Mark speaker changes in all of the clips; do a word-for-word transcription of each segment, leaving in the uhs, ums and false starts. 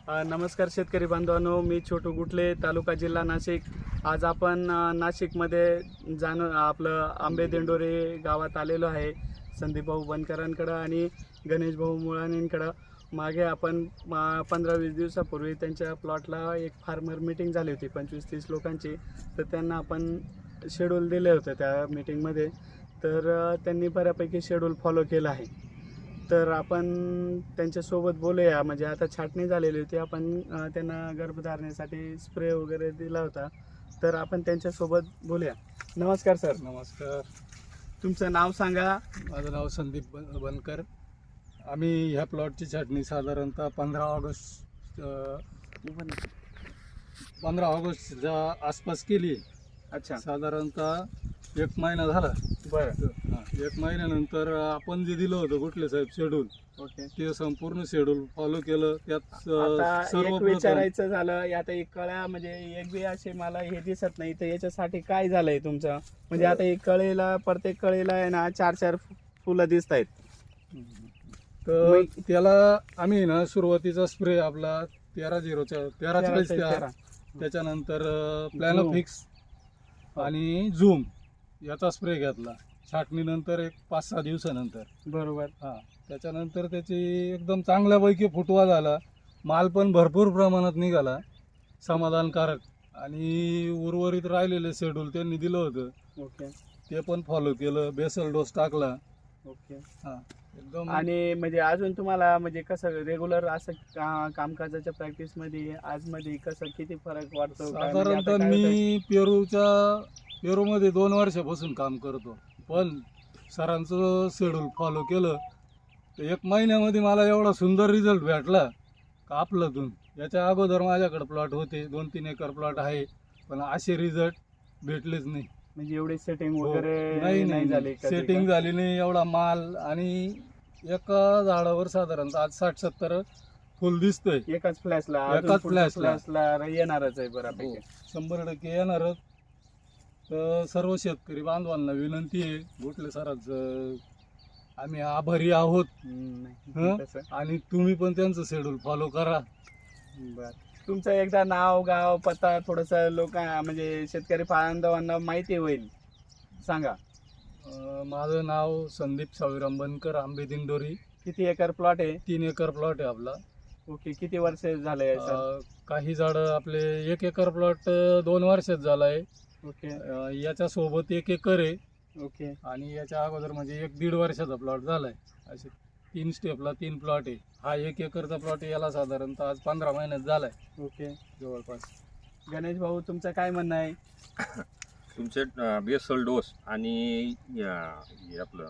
Speaker 1: अ, नमस्कार शेतकरी बांधवांनो, मी छोटू गुटले, तालुका जिल्हा नाशिक. आज आपण अ, नाशिकमध्ये जाणं आपलं आंबे दिंडोरे गावात आलेलो आहे संदीप भाऊ बनकरांकडं आणि गणेश भाऊ मुळाणींकडं. मागे आपण पंधरा वीस दिवसापूर्वी त्यांच्या प्लॉटला एक फार्मर मीटिंग झाली होती पंचवीस तीस लोकांची. तर त्यांना आपण शेड्यूल दिले होते त्या मीटिंगमध्ये. तर अ, त्यांनी बऱ्यापैकी शेड्यूल फॉलो केलं आहे. तर आपण त्यांच्यासोबत बोलूया. म्हणजे आता छाटणी झालेली होती, आपण अ, त्यांना गर्भधारणेसाठी स्प्रे वगैरे दिला होता. तर आपण त्यांच्यासोबत बोलूया. नमस्कार सर.
Speaker 2: नमस्कार.
Speaker 1: तुमचं नाव सांगा.
Speaker 2: माझं नाव संदीप बन बनकर. आम्ही ह्या प्लॉटची छाटणी साधारणतः पंधरा ऑगस्ट पंधरा ऑगस्टच्या आसपास केली.
Speaker 1: अच्छा,
Speaker 2: साधारणतः एक महिना झाला.
Speaker 1: बरं.
Speaker 2: हां, एक महिन्यानंतर आपण जे दिलं होतं गुटले साहेब शेड्यूल,
Speaker 1: ओके.
Speaker 2: ते संपूर्ण शेड्यूल फॉलो केलं. त्यात
Speaker 1: आता एक
Speaker 2: सर्व
Speaker 1: विचारायचं झालं, आता एक कळ्या म्हणजे एक बी असे मला हे दिसत नाही, तर याच्यासाठी काय झालंय तुमचं? म्हणजे आता एक कळीला, प्रत्येक कळीला आहे ना चार चार फुलं दिसत आहेत.
Speaker 2: तर त्याला आम्ही ना सुरुवातीचा स्प्रे आपला तेरा झिरोच्या तेरा चाळीस
Speaker 1: तेरा.
Speaker 2: त्याच्यानंतर प्लॅनोफिक्स आणि झूम याचा स्प्रे घेतला छाटणीनंतर एक पाच सहा दिवसानंतर.
Speaker 1: बरोबर.
Speaker 2: हां, त्याच्यानंतर त्याची एकदम चांगल्यापैकी फुटवा झाला. माल पण भरपूर प्रमाणात निघाला, समाधानकारक. आणि उर्वरित राहिलेले शेड्यूल त्यांनी दिलं होतं,
Speaker 1: ओके.
Speaker 2: ते पण फॉलो केलं. बेसल डोस टाकला.
Speaker 1: ओके.
Speaker 2: हां, एकदम.
Speaker 1: आणि म्हणजे अजून तुम्हाला म्हणजे कसं रेग्युलर असं का कामकाजाच्या प्रॅक्टिसमध्ये आजमध्ये कसं किती फरक वाटतो? काय म्हणजे आता
Speaker 2: साधारणतः
Speaker 1: काय होतंय?
Speaker 2: मी पेरूच्या पेरूमध्ये दोन वर्षापासून काम करतो, पण सरांचं शेड्यूल फॉलो केलं तर एक महिन्यामध्ये मला एवढा सुंदर रिझल्ट भेटला का आपलं. याच्या अगोदर माझ्याकडे प्लॉट होते, दोन तीन एकर प्लॉट आहे, पण असे रिझल्ट भेटलेच नाही.
Speaker 1: म्हणजे एवढी सेटिंग
Speaker 2: हो.
Speaker 1: वगैरे
Speaker 2: नाही
Speaker 1: नाही झाली
Speaker 2: नाही
Speaker 1: कधी
Speaker 2: सेटिंग
Speaker 1: का?
Speaker 2: झाली नाही. एवढा माल आणि एका झाडावर साधारणतः आज साठ सत्तर फुल दिसतंय.
Speaker 1: एकाच फ्लॅशला
Speaker 2: एकाच फ्लॅशला.
Speaker 1: फ्लॅशला येणारच आहे बऱ्यापैकी.
Speaker 2: शंभर टक्के येणारच. तर सर्व शेतकरी बांधवांना विनंती आहे, गुटले सरांचं आम्ही आभारी आहोत.
Speaker 1: हम्म, नाही,
Speaker 2: हं?
Speaker 1: तसं.
Speaker 2: आणि तुम्ही पण त्यांचं शेड्यूल फॉलो करा.
Speaker 1: बरं. तुमचं एकदा नाव गाव पत्ता थोडंसं लोक म्हणजे शेतकरी बांधवांना माहिती होईल, सांगा.
Speaker 2: अं, माझं नाव संदीप सावीराम बनकर, आंबे दिंडोरी.
Speaker 1: किती एकर प्लॉट आहे?
Speaker 2: तीन एकर प्लॉट आहे आपला.
Speaker 1: ओके. किती वर्ष झाले सर?
Speaker 2: अं, काही झाडं आपले एक एकर प्लॉट दोन वर्षात झाला आहे.
Speaker 1: ओके.
Speaker 2: अं, याच्यासोबत एक एकर आहे
Speaker 1: ओके.
Speaker 2: आणि याच्या अगोदर म्हणजे एक दीड वर्षाचा प्लॉट झाला आहे. असे तीन स्टेपला तीन प्लॉट आहे. हा एक एकरचा प्लॉट आहे, याला साधारणतः आज पंधरा महिन्यात झाला आहे
Speaker 1: ओके.
Speaker 2: जवळपास.
Speaker 1: गणेश भाऊ, तुमचं काय म्हणणं आहे?
Speaker 3: तुमचे बेसल डोस आणि अं, हे आपलं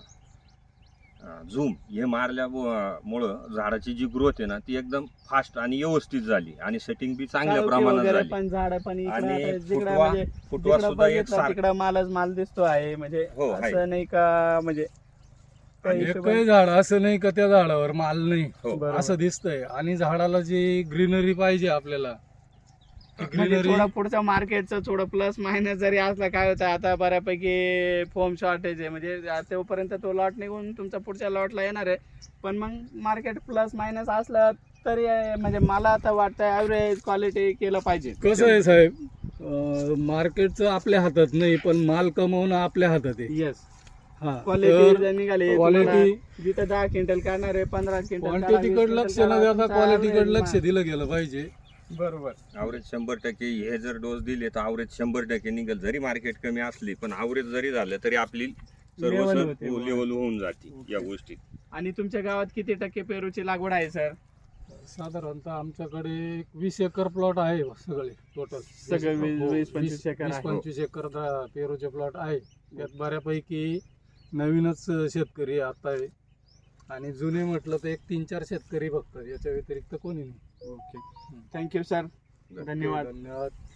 Speaker 3: झूम हे मारल्यामुळं झाडाची जी ग्रोथ आहे ना ती एकदम फास्ट आणि व्यवस्थित झाली आणि सेटिंग बी चांगल्या
Speaker 1: चालवते
Speaker 3: प्रमाणात
Speaker 1: वगैरे
Speaker 3: झाली.
Speaker 1: पण झाड पण इकडं
Speaker 3: आणि
Speaker 1: आता जिकडं
Speaker 3: फुटवा-
Speaker 1: म्हणजे
Speaker 3: फुटवा
Speaker 1: जिकडं
Speaker 3: सुद्धा एक
Speaker 1: बघितलं
Speaker 3: सारखा.
Speaker 1: तिकडं मालच माल दिसतो आहे. म्हणजे
Speaker 3: हो, आहे.
Speaker 1: असं नाही का म्हणजे त्या हिशोबाने-
Speaker 2: एकही झाड असं नाही का त्या झाडावर माल नाही,
Speaker 3: हो.
Speaker 1: बरोबर.
Speaker 2: असं दिसतंय. आणि झाडाला जी ग्रीनरी पाहिजे आपल्याला,
Speaker 1: म्हणजे
Speaker 2: ग्रीनरी
Speaker 1: थोडं पुढचं मार्केटचं थोडं प्लस मायनस जरी असलं काय होतं, आता बऱ्यापैकी फोम शॉर्टेज आहे. म्हणजे तोपर्यंत तो लॉट निघून तुमचा पुढच्या लॉटला येणार आहे. पण मग मार्केट प्लस मायनस असलं तरी म्हणजे मला आता वाटतं ॲव्हरेज क्वालिटी केलं पाहिजे.
Speaker 2: कसं आहे साहेब, मार्केटचं आपल्या हातात नाही, पण माल कमवणं आपल्या हातात आहे.
Speaker 1: येस.
Speaker 2: हा,
Speaker 1: क्वालिटी जर निघाली,
Speaker 2: क्वालिटी
Speaker 1: तुम्हाला जिथं दहा क्विंटल काढणार आहे, पंधरा क्विंटल काढा, वीस
Speaker 2: क्वांटिटीकडे लक्ष
Speaker 1: क्विंटल
Speaker 2: न
Speaker 1: काढा,
Speaker 2: देता
Speaker 1: तुमचा
Speaker 2: क्वालिटीकडे
Speaker 1: average
Speaker 2: लक्ष दिलं गेलं पाहिजे.
Speaker 1: बरोबर.
Speaker 3: आवरेज शंभर टक्के हे जर डोस दिले तर आवरेज शंभर टक्के निघेल. जरी मार्केट कमी असली पण आवरेज जरी झालं तरी आपली सर्व
Speaker 1: Level होते.
Speaker 3: लेवल होऊन जाते या गोष्टीत.
Speaker 1: आणि तुमच्या गावात किती टक्के पेरूची लागवड आहे सर?
Speaker 2: साधारणतः आमच्याकडे एक वीस एकर प्लॉट आहे सगळे टोटल.
Speaker 1: सगळे वीस-
Speaker 2: हो,
Speaker 1: वीस पंचवीस एकर
Speaker 2: वीस
Speaker 1: आहे.
Speaker 2: पंचवीस एकर दा- पेरूचे प्लॉट आहे. त्यात बऱ्यापैकी नवीनच शेतकरी आता आहे आणि जुने म्हटलं तर एक तीन चार शेतकरी बघतात, याच्या व्यतिरिक्त कोणी नाही.
Speaker 1: ओके. Thank you sir. धन्यवाद.
Speaker 2: धन्यवाद.